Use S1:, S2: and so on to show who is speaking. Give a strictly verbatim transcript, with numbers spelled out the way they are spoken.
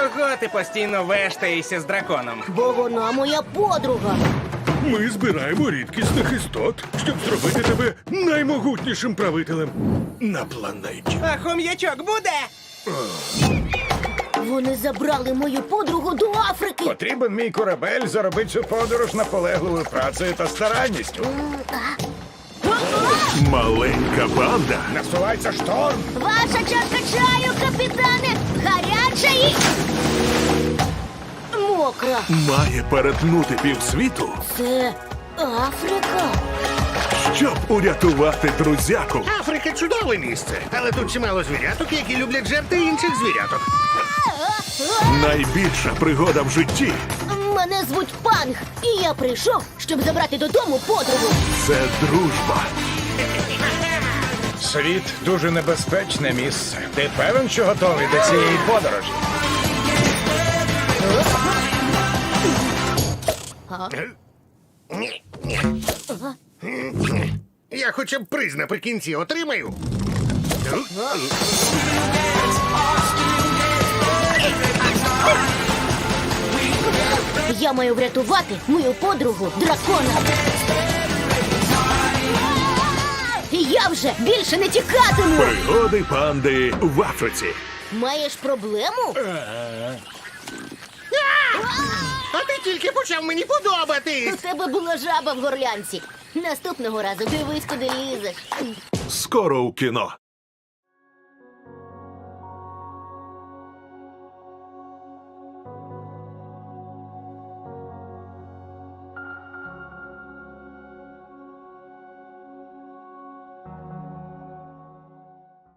S1: Чого ти постійно вештаєшся з драконом?
S2: Бо вона моя подруга.
S3: Ми збираємо рідкісних істот, щоб зробити тебе наймогутнішим правителем на планеті.
S1: А хом'ячок буде?
S2: Вони забрали мою подругу до Африки.
S4: Потрібен мій корабель заробити цю подорож наполегливою працею та старанністю.
S3: Маленька банда
S4: Насувається шторм.
S2: Ваша чашка чаю, капітане! Гаряча і... мокра.
S3: має перетнути півсвіту,
S2: Це Африка.
S3: щоб урятувати друзяку.
S5: Африка чудове місце, але тут чимало звіряток, які люблять жерти інших звіряток.
S3: Найбільша пригода в житті
S2: Мене звуть Панг, і я прийшов, щоб забрати додому подругу.
S3: – це дружба.
S4: Світ дуже небезпечне місце. Ти певен, що готовий до цієї подорожі?
S5: Ні, ні. Я хоча б приз наприкінці отримаю.
S2: Я маю врятувати мою подругу дракона. І я вже більше не тікатиму.
S3: Пригоди панди в Африці.
S2: Маєш проблему?
S5: А ти тільки почав мені подобатись.
S2: У тебе була жаба в горлянці. Наступного разу дивись, куди лізеш.
S3: Скоро у кіно.